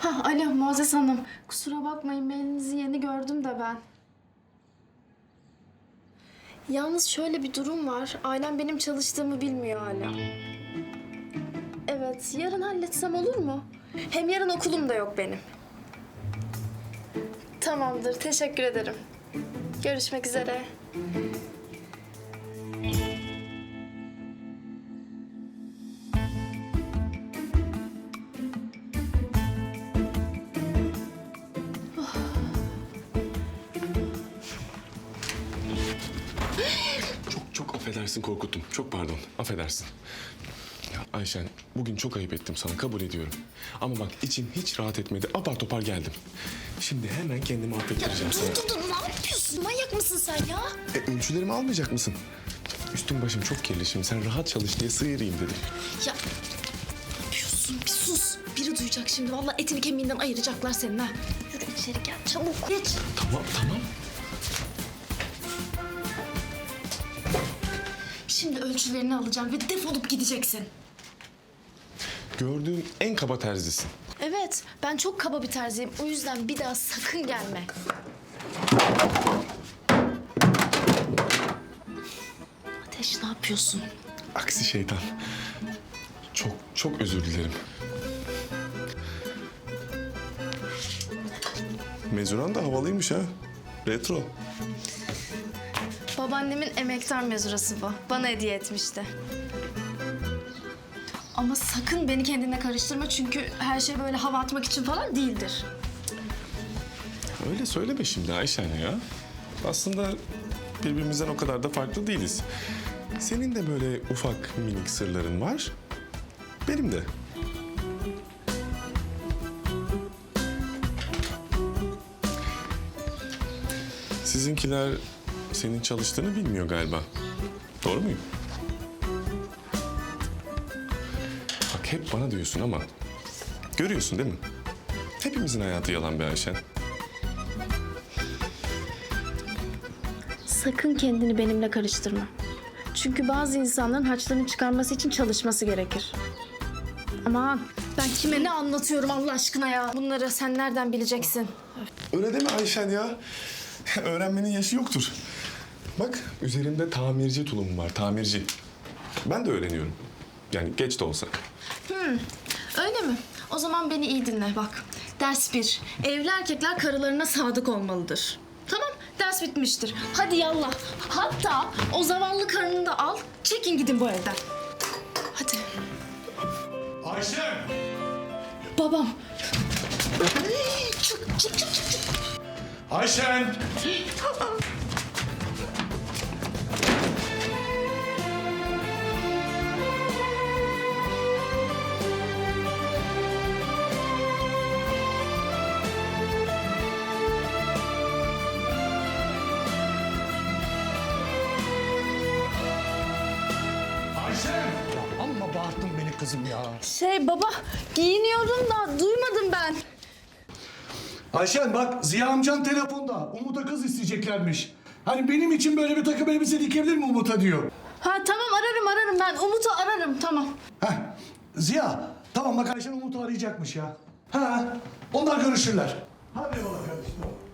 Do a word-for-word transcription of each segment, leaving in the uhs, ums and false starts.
Ha, alo Muazzez Hanım. Kusura bakmayın, mailinizi yeni gördüm de ben. Yalnız şöyle bir durum var. Ailem benim çalıştığımı bilmiyor hala. Evet, yarın halletsem olur mu? Hem yarın okulum da yok benim. Tamamdır, teşekkür ederim. Görüşmek üzere. Çok çok affedersin, korkuttum. Çok pardon, affedersin. Ya Ayşen, bugün çok ayıp ettim sana, kabul ediyorum. Ama bak içim hiç rahat etmedi, apar topar geldim. Şimdi hemen kendimi affettireceğim sana. Dur dur dur, ne yapıyorsun? Manyak mısın sen ya? E, ölçülerimi almayacak mısın? Üstüm başım çok kirli şimdi, sen rahat çalış diye sıyırayım dedim. Ya ne yapıyorsun? Bir sus. Biri duyacak şimdi. Vallahi etini kemiğinden ayıracaklar senin ha. Yürü içeri gel, çabuk. Geç. Tamam, tamam. Şimdi ölçülerini alacağım ve defolup gideceksin. Gördüğüm en kaba terzisin. Evet, ben çok kaba bir terziyim. O yüzden bir daha sakın gelme. Ateş, ne yapıyorsun? Aksi şeytan. Çok çok özür dilerim. Mezuran da havalıymış ha. Retro. Babaannemin emektar mezurası bu. Bana hediye etmişti. Ama sakın beni kendine karıştırma çünkü her şey böyle hava atmak için falan değildir. Öyle söyleme şimdi Ayşen ya. Aslında birbirimizden o kadar da farklı değiliz. Senin de böyle ufak minik sırların var. Benim de. Sizinkiler senin çalıştığını bilmiyor galiba. Doğru muyum? Bak hep bana diyorsun ama görüyorsun değil mi? Hepimizin hayatı yalan be Ayşen. Sakın kendini benimle karıştırma. Çünkü bazı insanların harçlarını çıkarması için çalışması gerekir. Aman ben kime ne anlatıyorum Allah aşkına ya? Bunları sen nereden bileceksin? Öyle deme Ayşen ya. Öğrenmenin yaşı yoktur. Bak üzerimde tamirci tulumum var, tamirci. Ben de öğreniyorum. Yani geç de olsa. Öyle mi? O zaman beni iyi dinle bak. Ders bir. Evli erkekler karılarına sadık olmalıdır. Tamam, ders bitmiştir. Hadi yallah. Hatta o zavallı karını da al, çekin gidin bu evden. Hadi. Ayşe! Babam. Çık, çık, çık, çık. çık. Ayşen! Ayşen! Ya amma bağırttın beni kızım ya. Şey baba, giyiniyorum da duymadım ben. Ayşen bak Ziya amcan telefonda. Umut'a kız isteyeceklermiş. Hani benim için böyle bir takım elbise dikebilir mi Umut'a diyor. Ha tamam, ararım ararım ben. Umut'u ararım, tamam. Heh. Ziya tamam bak Ayşen Umut'u arayacakmış ya. Ha onlar görüşürler. Hadi yola kardeşim.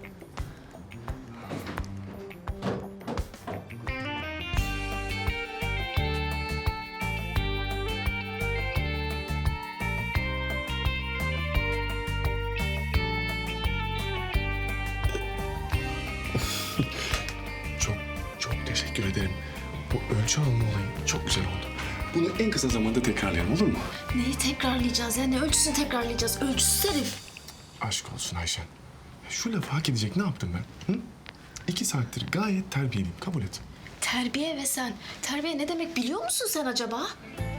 Çok çok teşekkür ederim. Bu ölçü alma olayı çok güzel oldu. Bunu en kısa zamanda tekrarlayalım olur mu? Neyi tekrarlayacağız ya? Ne ölçüsünü tekrarlayacağız? Ölçüsüz herif. Aşk olsun Ayşen. Ya şu lafı hak edecek ne yaptım ben? Hı? İki saattir gayet terbiyeliyim. Kabul et. Terbiye ve sen. Terbiye ne demek biliyor musun sen acaba?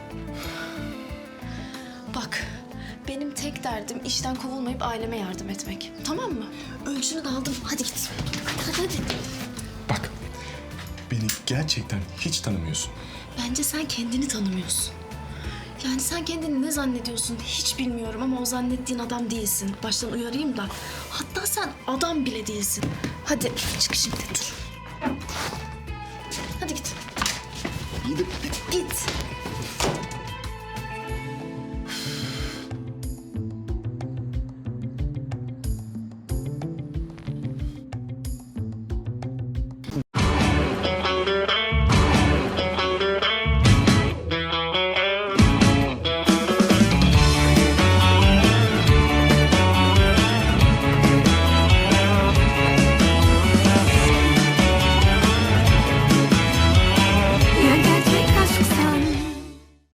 Bak, benim tek derdim işten kovulmayıp aileme yardım etmek. Tamam mı? Ölçünü de aldım. Hadi git. Hadi hadi hadi. Bak, beni gerçekten hiç tanımıyorsun. Bence sen kendini tanımıyorsun. Yani sen kendini ne zannediyorsun hiç bilmiyorum ama o zannettiğin adam değilsin. Baştan uyarayım da. Hatta sen adam bile değilsin. Hadi çık şimdi dur. Hadi git. İyi de Git.